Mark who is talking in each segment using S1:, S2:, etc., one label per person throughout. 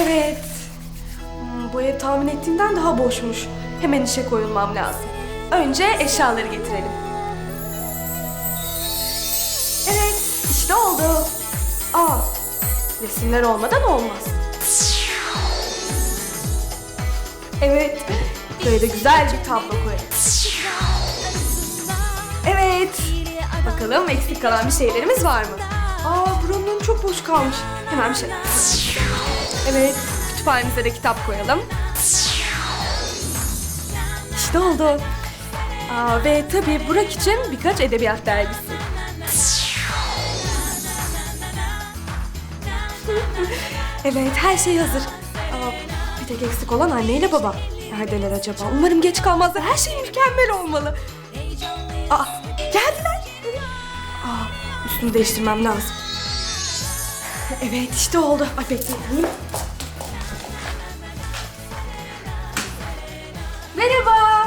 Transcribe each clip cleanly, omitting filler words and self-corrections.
S1: Evet. Bu ev tahmin ettiğimden daha boşmuş. Hemen işe koyulmam lazım. Önce eşyaları getirelim. Evet, işte oldu. Resimler olmadan olmaz. Evet, böyle de güzel bir tablo koyalım. Evet. Bakalım eksik kalan bir şeylerimiz var mı? Buranın çok boş kalmış. Hemen bir şey. Evet, kütüphanemize de kitap koyalım. İşte oldu. Ve tabii Burak için birkaç edebiyat dergisi. Evet, her şey hazır. Bir tek eksik olan anneyle baba. Neredeler acaba? Umarım geç kalmazlar. Her şey mükemmel olmalı. Geldiler. Üstümü değiştirmem lazım. Evet, işte oldu. Bekleyin. Merhaba.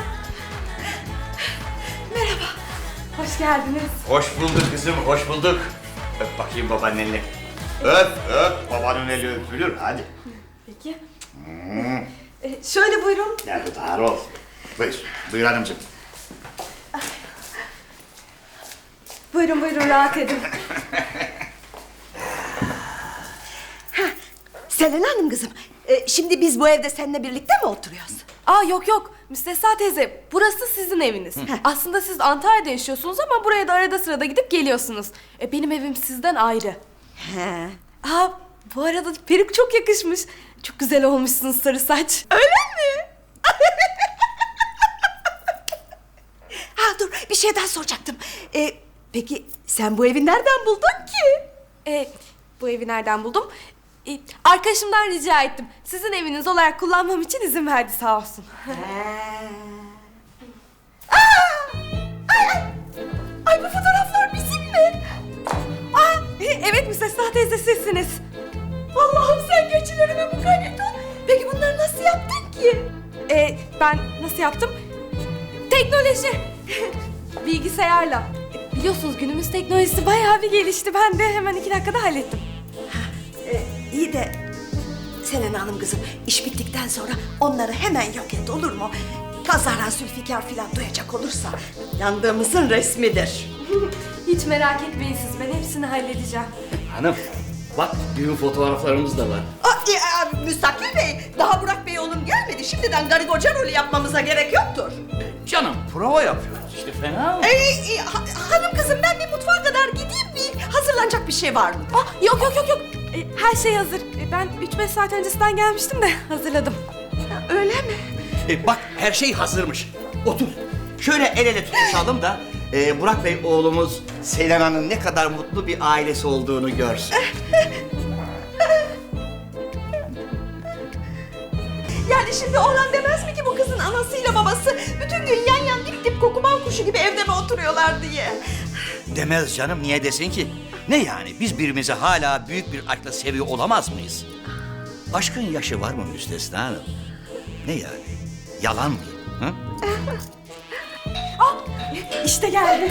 S1: Merhaba. Hoş geldiniz.
S2: Hoş bulduk kızım, hoş bulduk. Öp bakayım babaanneni. Öp, babanın eli öpülür, hadi.
S1: Peki. Şöyle buyurun.
S2: Yardımlar ol. Buyur hanımcığım.
S1: Buyurun, rahat edin.
S3: Selen Hanım kızım, şimdi biz bu evde seninle birlikte mi oturuyoruz?
S1: Yok. Müstesna teyze, burası sizin eviniz. Aslında siz Antalya'da yaşıyorsunuz ama buraya da arada sırada gidip geliyorsunuz. Benim evim sizden ayrı.
S3: He.
S1: Bu arada peruk çok yakışmış. Çok güzel olmuşsunuz sarı saç.
S3: Öyle mi? Dur, bir şey daha soracaktım. Peki sen bu evi nereden buldun ki?
S1: Bu evi nereden buldum? Arkadaşımdan rica ettim. Sizin eviniz olarak kullanmam için izin verdi sağ olsun.
S3: Ay, bu fotoğraflar bizim mi?
S1: Evet Müstesna teyze sizsiniz.
S3: Allah'ım sen geçilerime mukayyet ol. Peki bunları nasıl yaptın ki?
S1: Ben nasıl yaptım? Teknoloji. Bilgisayarla. Biliyorsunuz günümüz teknolojisi bayağı bir gelişti. Ben de hemen 2 dakikada hallettim.
S3: İyi de Selen Hanım kızım, iş bittikten sonra onları hemen yok et, olur mu? Kazara Zülfikar filan duyacak olursa yandığımızın resmidir.
S1: Hiç merak etmeyin siz. Ben hepsini halledeceğim.
S4: Hanım, bak düğün fotoğraflarımız da var.
S3: Müstakil Bey, daha Burak Bey oğlum gelmedi. Şimdiden karı koca rolü yapmamıza gerek yoktur.
S4: Canım, prova yapıyoruz işte, fena mı?
S3: Hanım kızım, ben bir mutfağa kadar gideyim, bir hazırlanacak bir şey var mı?
S1: Yok. Her şey hazır. Ben 3-5 saat öncesinden gelmiştim de hazırladım.
S3: Öyle mi?
S4: Bak, her şey hazırmış. Otur. Şöyle el ele tutuşalım da Burak Bey oğlumuz Selena'nın ne kadar mutlu bir ailesi olduğunu görsün.
S3: Yani şimdi oğlan demez mi ki bu kızın anasıyla babası bütün gün yan yan dip dip kokuman kuşu gibi evde mi oturuyorlar diye?
S4: Demez canım, niye desin ki? Ne yani, biz birbirimizi hala büyük bir aşkla seviyor olamaz mıyız? Aşkın yaşı var mı Müstesna Hanım? Ne yani? Yalan mı? Hı?
S1: İşte geldi.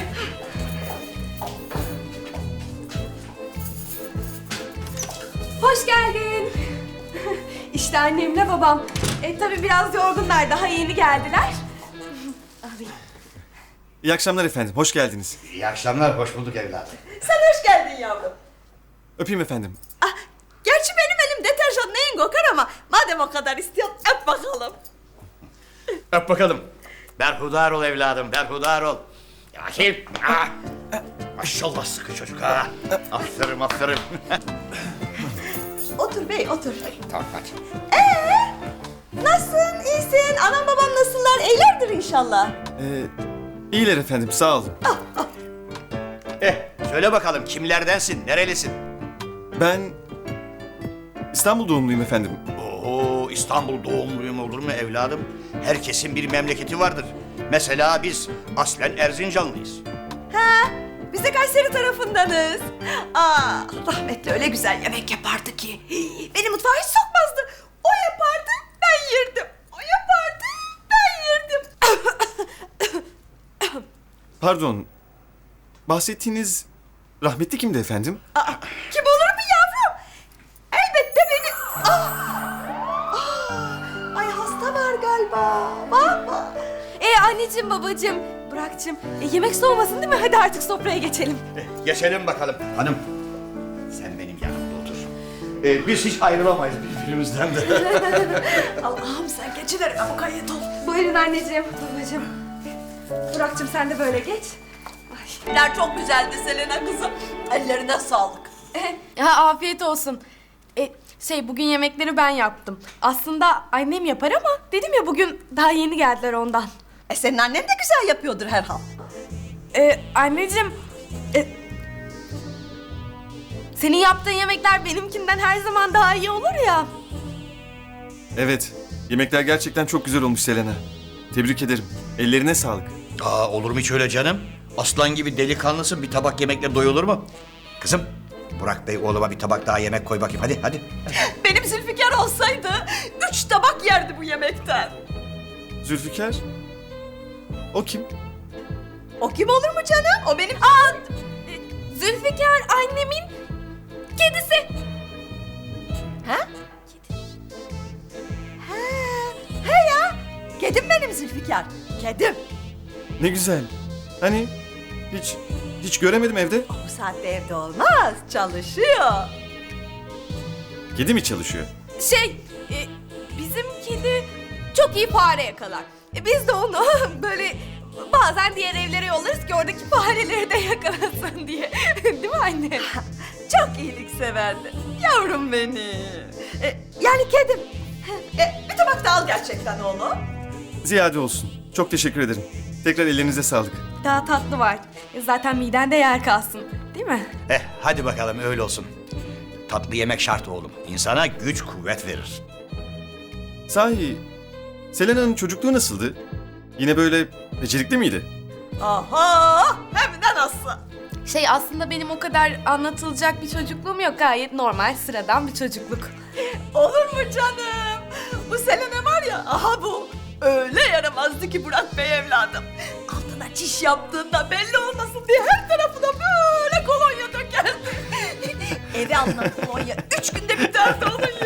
S1: Hoş geldin. İşte annemle babam. Tabii biraz yorgunlar, daha yeni geldiler. Alayım.
S5: İyi akşamlar efendim, hoş geldiniz.
S2: İyi akşamlar, hoş bulduk evladım.
S3: Sen hoş geldin yavrum.
S5: Öpeyim efendim.
S3: Gerçi benim elim deterjan neyin kokar ama madem o kadar istiyorsun öp bakalım.
S2: Öp bakalım.
S4: Berhudar ol evladım, berhudar ol. Akif. Maşallah sıkı çocuk ha. Aferin.
S3: Otur bey otur.
S2: Tamam, hadi.
S3: Nasılsın, iyisin? Anam babam nasıllar? İyilerdir inşallah.
S5: İyiler efendim, sağ olun.
S4: Söyle bakalım, kimlerdensin, nerelisin?
S5: Ben İstanbul doğumluyum efendim.
S4: Oo, İstanbul doğumluyum olur mu evladım? Herkesin bir memleketi vardır. Mesela biz aslen Erzincanlıyız.
S3: Biz de Kayseri tarafındanız. Rahmetli öyle güzel yemek yapardı ki. Beni mutfağa hiç sokmazdı. O yapardı, ben yerdim. O yapardı, ben yerdim.
S5: Pardon, bahsettiğiniz rahmetli kimdi efendim?
S3: Kim olur mu yavrum? Elbette beni... Baba.
S1: Anneciğim, babacığım, Burak'cığım, yemek soğumasın değil mi? Hadi artık sofraya geçelim.
S2: Geçelim bakalım. Hanım, sen benim yanımda otur. Biz hiç ayrılamayız birbirimizden de.
S3: Allah'ım sen geçiver mukayyet ol.
S1: Buyurun anneciğim, babacığım. Burak'cığım sen de böyle geç.
S3: Yemekler çok güzeldi Selena kızım. Ellerine sağlık.
S1: Afiyet olsun. Bugün yemekleri ben yaptım. Aslında annem yapar ama dedim ya bugün daha yeni geldiler ondan.
S3: Senin annen de güzel yapıyordur herhal.
S1: Anneciğim, senin yaptığın yemekler benimkinden her zaman daha iyi olur ya.
S5: Evet, yemekler gerçekten çok güzel olmuş Selena. Tebrik ederim. Ellerine sağlık.
S4: Aa, olur mu hiç öyle canım? Aslan gibi delikanlısın, bir tabak yemekle doyulur mu? Kızım, Burak Bey oğluma bir tabak daha yemek koy bakayım. Hadi.
S3: Benim Zülfikar olsaydı 3 tabak yerdi bu yemekten.
S5: Zülfikar? O kim?
S3: O kim olur mu canım? O benim...
S1: Zülfikar annemin kedisi.
S3: Ha? He ya. Kedim benim Zülfikar. Kedim.
S5: Ne güzel. Hani hiç göremedim evde.
S3: Bu saatte evde olmaz. Çalışıyor.
S5: Kedi mi çalışıyor?
S1: Bizim kedi çok iyi fare yakalar. Biz de onu böyle bazen diğer evlere yollarız ki oradaki fareleri de yakalasın diye. Değil mi anne?
S3: Çok iyilikseverdi. Yavrum benim. Yani kedim. Bir tabak daha al gerçekten oğlum.
S5: Ziyade olsun. Çok teşekkür ederim. Tekrar ellerinize sağlık.
S1: Daha tatlı var. Zaten midende yer kalsın. Değil mi?
S4: Hadi bakalım öyle olsun. Tatlı yemek şart oğlum. İnsana güç kuvvet verir.
S5: Sahi, Selena'nın çocukluğu nasıldı? Yine böyle becerikli miydi?
S3: Aha, hem de nasıl?
S1: Aslında benim o kadar anlatılacak bir çocukluğum yok. Gayet normal, sıradan bir çocukluk.
S3: Olur mu canım? Bu Selena var ya, aha bu. Öyle yaramazdı ki Burak Bey evladım. Altına çiş yaptığında belli olmasın diye her tarafına böyle kolonya dökerdi. Eve alınan kolonya 3 günde biterdi onun